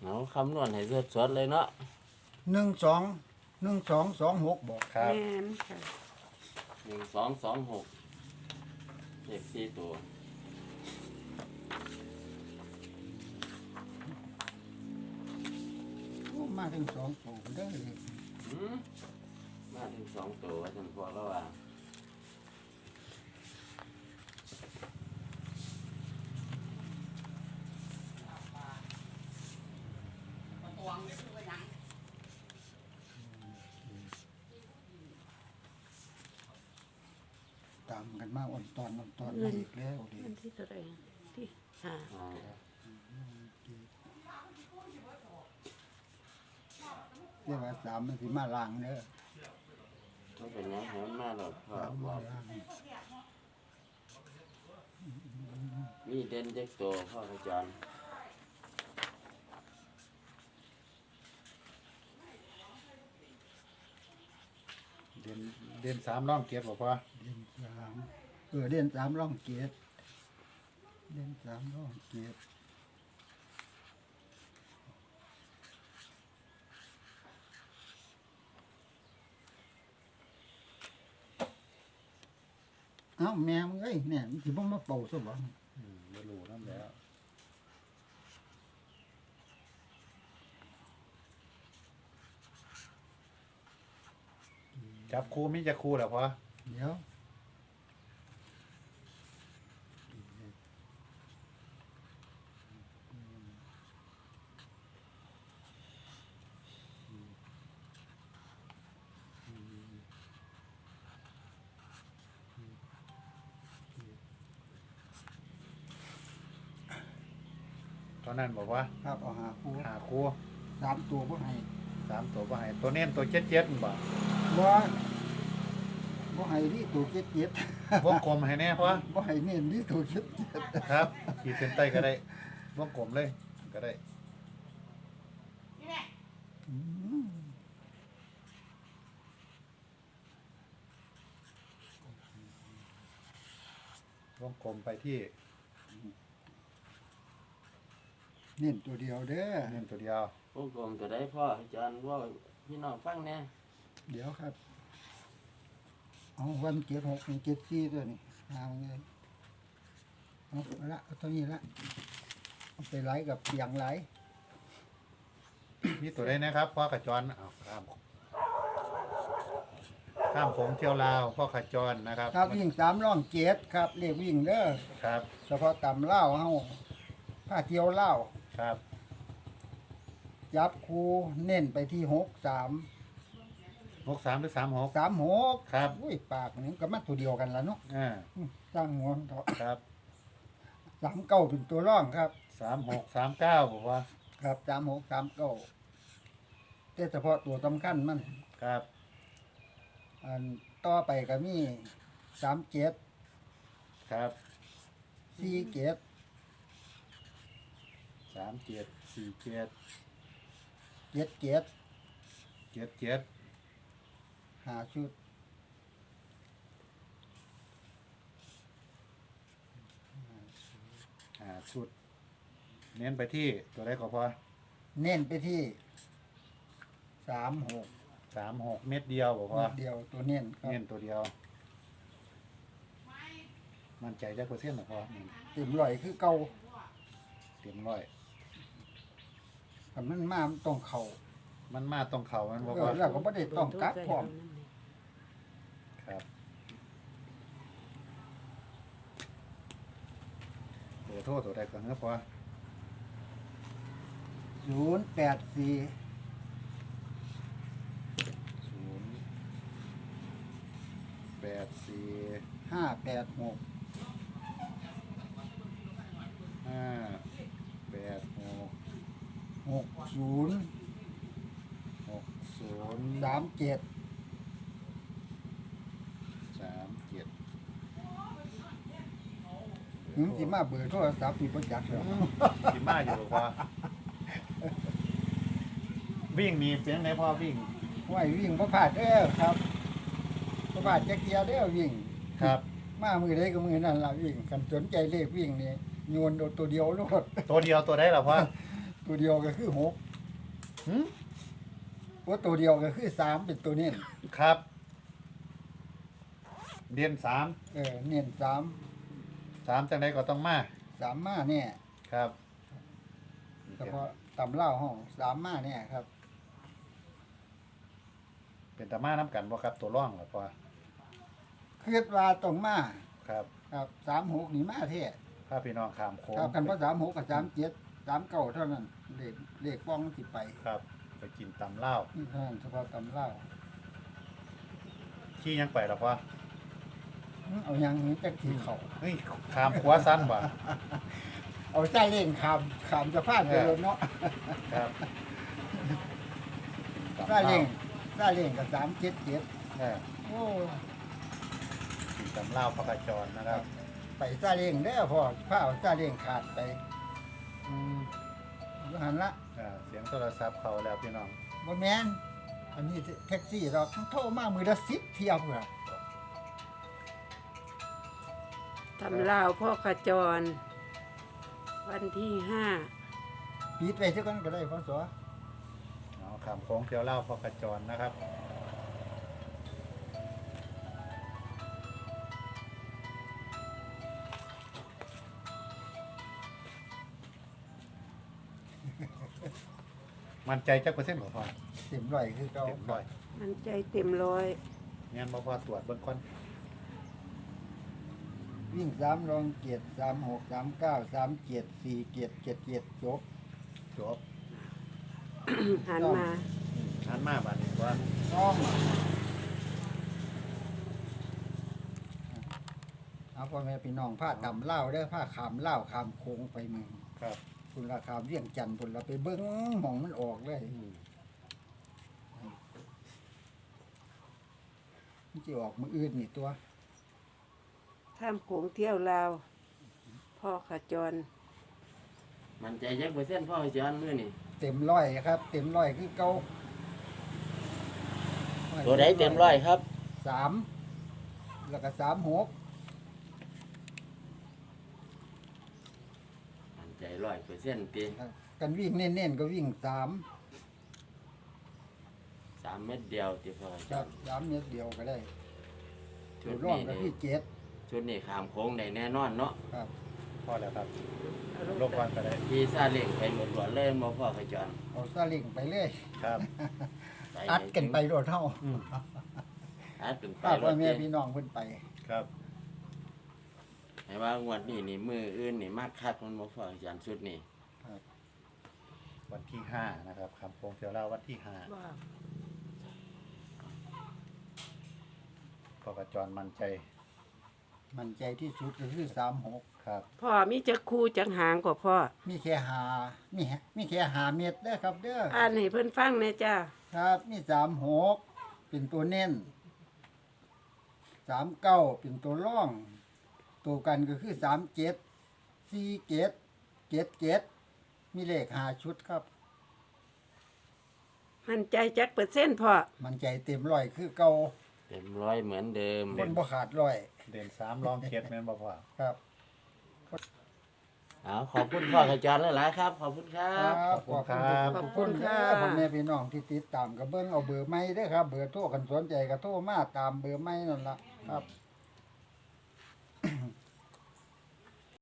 เอาคำนวณให้สดๆเลยเนาะ 121226บอกครับแม่นค่ะ 1226เลขสี่ตัวโอ้มาถึง2ตัวเด้อเลยหืมมาถึง2ตัวฉันพอแล้วว่าตามกันมาอ่อนตอนมาอีกแล้วเด้วันที่เท่าไหร่ที่ห้าอ่าเรียกว่า3มันสิมาล้างเด้อต้องเป็นหยังให้มันมาหลดพ่อ 3 บมาอกล้างมีเด่นเด็กตัวพ่อขจรเด่น3ร่องเกียรติบ่พอเด่น3เด่น3ร่องเกียรติเด่น3ร่องเกียรติเอ้าแมวมึงเอ้ยเนี่ยมันสิบ่มาเป่าซะบ่บ่รู้นำแล้วจับคู่มีจักคู่แล้วพอเดี๋ยวตอนนั้นบอกว่าครับเอาหาคู่หาคู่ 3ตัวบ่ให้ 3ตัวบ่ให้ตัวเน้นตัว7บ่บ่ให้นี่ตัวเจ็ดวงกลมให้แน่พอบ่ให้เน้นนี่ตัวเจ็ดครับขีดเส้นใต้ก็ได้วงกลมเลยก็ได้อืมวงกลมไปที่เน้นตัวเดียวเด้อเน้นตัวเดียวพวกกลมจะได้พ่อขจรว่าพี่น้องฟังแน่เดี๋ยวครับเอาวันเก็บ6 7 4ตัวนี้เอาเลยเอาละเอาตัวนี้ละเอาไปไล่กับเปียงไล่มีตัวได้นะครับพ่อขจรเอาข้ามโขงเที่ยวลาวพ่อขจรนะครับครับวิ่ง3ร่อง7ครับเลขวิ่งเด้อครับเฉพาะตำเล่าวเฮาผ้าเที่ยวเล่าวครับจับคูเน้นไปที่6 3 63หรือ36 3 6 ครับอุ้ยปากนี่ก็มาตัวเดียวกันละเนาะ สร้างหัวเถาะครับ 39เป็นตัวร่องครับ 36 39บอกว่าครับ36 39แต่เฉพาะตัวสำคัญมันครับอันต่อไปก็มี37 ครับ 47 37 47 77 77 5ชุดชุด เน้นไปที่ตัวได้ก็พอเน้นไปที่36 36 เม็ดเดียวบอกว่าเดียวตัวเน้นครับเน้นตัวเดียว มั่นใจจักเปอร์เซ็นต์หรอพอเต็มร้อยคือเก่าเต็มร้อยคันมันมามันต้องเข้ามันมาตรงเขามันบอกเออว่าแล้วก็บ่ได้ต้องกักพร้อมครับเบอร์โทรตัวใดก่อนครับพอ 084 084 586 586 60 60 37 37 สิมาเบอร์โทรศัพท์นี่บ่จักแล้วสิมาอยู่บอกว่า วิ่งมีเสียงไหนพ่อวิ่งไว้วิ่งบ่พลาดเด้อครับบ่พลาดจักเที่ยเด้อวิ่งครับมามือใดก็มือนั่นล่ะวิ่งคันสนใจเลขวิ่งนี่โยนเอาตัวเดียวโลดตัวเดียวตัวได้หรอพ่อตัวตัวเดียวก็คือหกหืมว่าตัวเดียวก็คือสามเป็นตัวเน้นครับ เดือนสามเน้นสามสามจังไดก็ต้องมาสามมาเนี่ยครับเฉพาะตำเล่าห้องสามมาเนี่ยครับเป็นตามาน้ำกันบ่ครับตัวร่องหรอพ่อคิดว่าตรงมาครับครับสามหกนี่มาเท่ถ้าพี่น้องขามโค้งครับกันเพราะสามหกกับ37 39เท่านั้นเลขป้องสิไปครับ ไปกินตำเหล้านี่เท่านั้นเฉพาะตำเล่าขี้ยังไปหรอพ่อเอายังนี้จักทีเขาเฮ้ยขามขวาสั้นบ่เอาใจเล่งขามจะพลาดไปเลยเนาะครับซาเล่งกับ377 เออโอ้กินตำเหล้าพระกระจรนะครับไปซาเล่งได้อพ่อผ้าเอาซาเล่งขาดไปอืมอยู่หันละเสียงโทรศัพท์เขาแล้วพี่น้องบ่แม่นอันนี้แท็กซี่เราโทรมามือละ10เที่ยวพุ่นล่ะทำลาวพ่อขจร วันที่ห้าปิดไปซะก่อนก็ได้พศเอาขามโค้งเที่ยวเหล้าพระกระจรนะครับ มันใจจักเปอร์เซ็นต์บ่พ่อเต็มร้อยคือเก่าเต็มร้อยมันใจเต็มร้อยงั้นบ่พ่อตรวจเบิ่งก่อนวิ่ง3รองเกียรติ36 39 37 47 77จบจบหันมาหันมาบัดนี้ว่าต้องเอาพ่อแม่พี่น้องผ้าดำเล่าวเด้อผ้าขามเล่าวขามโค้งไปเมืองครับคุณราคาเวียงจันทน์พุ่นเราไปเบิ้งหมองมันออกเลยมันจะออกมืออื่นนี่ตัวท่ามโขงเที่ยวลาว พ่อขจรมันใจจักเปอร์เซ็นต์พ่อจอนมื้อนี่เต็มร้อยครับ เต็มร้อยคือเก่าตัวใดเต็มร้อยครับ 3แล้วก็36 มันใจ100%ติครับกันวิ่งเน้นๆก็วิ่ง3 3 เม็ดเดียวติพ่อจครัอบ น 3เมตรเดียวก็ได้ชุตัวดร่องนี้ก็นี่ที่ชุดนี้ข้ามโค้งได้แน่นอนเนาะ 7ครับพอแล้วครับลงก่อนก็ได้พี่ซาเล้งไปหมดหลวนเลยบ่พ่อขจรเอาซาเล้งไปเลยครับอัดกันไปโดดเท่าอัดเป็นไปป้าร พ่อถแม่ติพี่น้องเพิ่นไปครับให้ว่างวดนี้นี่มืออื่นนี่มากคักมันบ่พ่อจอนชุดนี้วันที่5นะครับคำโค้งเที่ยวเหล้าวันที่5 ว่าพอกระจรมั่นใจมันใจที่สุดก็คือ36 ครับพ่อมีจักคู่จักหางกว่าพ่อมีแค่มีแค่หาเม็ดเด้อครับเด้ออ่านให้เพิ่นฟังแหน่จ้าครับมี36เป็นตัวเน้น39เป็นตัวร่อง ตัวกันก็คือ37 47 77มีเลข5ชุดครับมันใจจักเปอร์เซ็นต์พ่อมันใจเต็มร้อยคือเก่าเต็มร้อยเหมือนเดิมคนบ่ขาดร้อยเด่น3รองเจ็ดแม่นบ่พ่อครับเอาขอบคุณพ่อขจรหลายๆครับ ขอบคุณครับขอบคุณครับพ่อแม่พี่น้องที่ติดตามก็เบิ่งเอาเบอร์ใหม่เด้อครับ เบอร์โทรกันสนใจก็โทรมาตามเบอร์ใหม่นั่นล่ะครับ